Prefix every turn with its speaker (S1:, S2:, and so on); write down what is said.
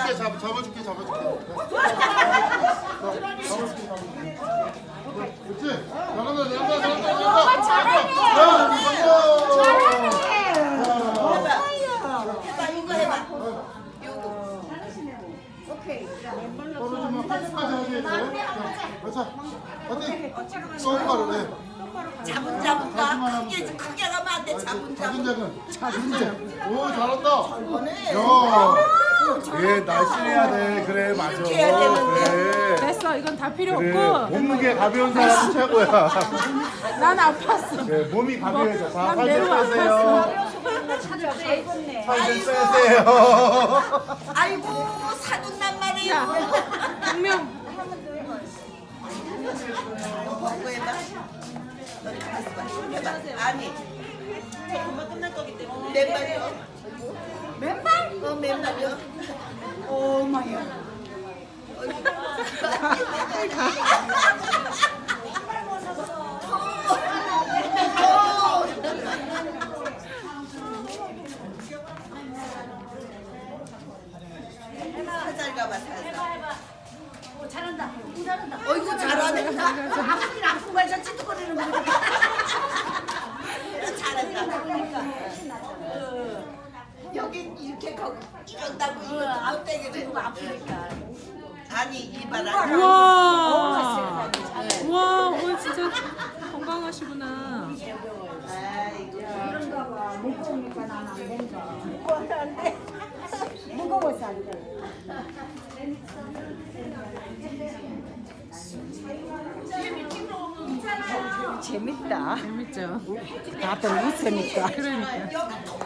S1: 잡아줄게. 그렇지. 잘한다.
S2: 해봐 이거 해봐.
S3: 오케이.
S1: 떨어지면 끝까지 하게 돼. 그렇지. 어디? 똑바로 해.
S2: 자분자분가 크게 가면 안 돼. 자분자분.
S1: 오 잘한다. 야.
S4: 예, 날씬해야 돼. 그래, 맞아.
S2: 이렇게 해야 되는데.
S4: 그래.
S5: 됐어. 이건 다 필요
S4: 그래.
S5: 없고.
S4: 몸무게 가벼운 사람이 최고야.
S5: 난 아팠어.
S4: 네, 몸이 가벼워져. 자,
S5: 난
S4: 살좀
S5: 매우
S4: 빼세요.
S3: 잘했네.
S4: 살좀 빼세요.
S2: 아이고 사돈난 말이야.
S5: 분명
S2: 벗고 해봐. 너희 가서 봐. 해봐. 아니. 금방 끝날 거기 때문에. 맨발이요.
S3: 맨발?
S2: 맨발이요.
S3: 오마야.
S2: 살살 가봐 살살.
S3: 잘한다. 잘한다.
S2: 어이구 잘하네.
S3: 아픈 일 아픈 거야. 저 찌뚝거리는 거.
S2: 잘한다. 여기 이렇게 거기 이런다고 이거 앞대기를
S3: 아프니까.
S2: 아니 이봐라.
S5: 와. 와, 오늘 진짜 건강하시구나.
S2: 아이고.
S3: 이런가 봐. 무거우니까 난 안 된다. 무거워서 안 돼. 무거워서 안 돼. 재밌다.
S5: 재밌죠?
S3: 다들 웃으니까.
S5: 그러니까.
S2: 여기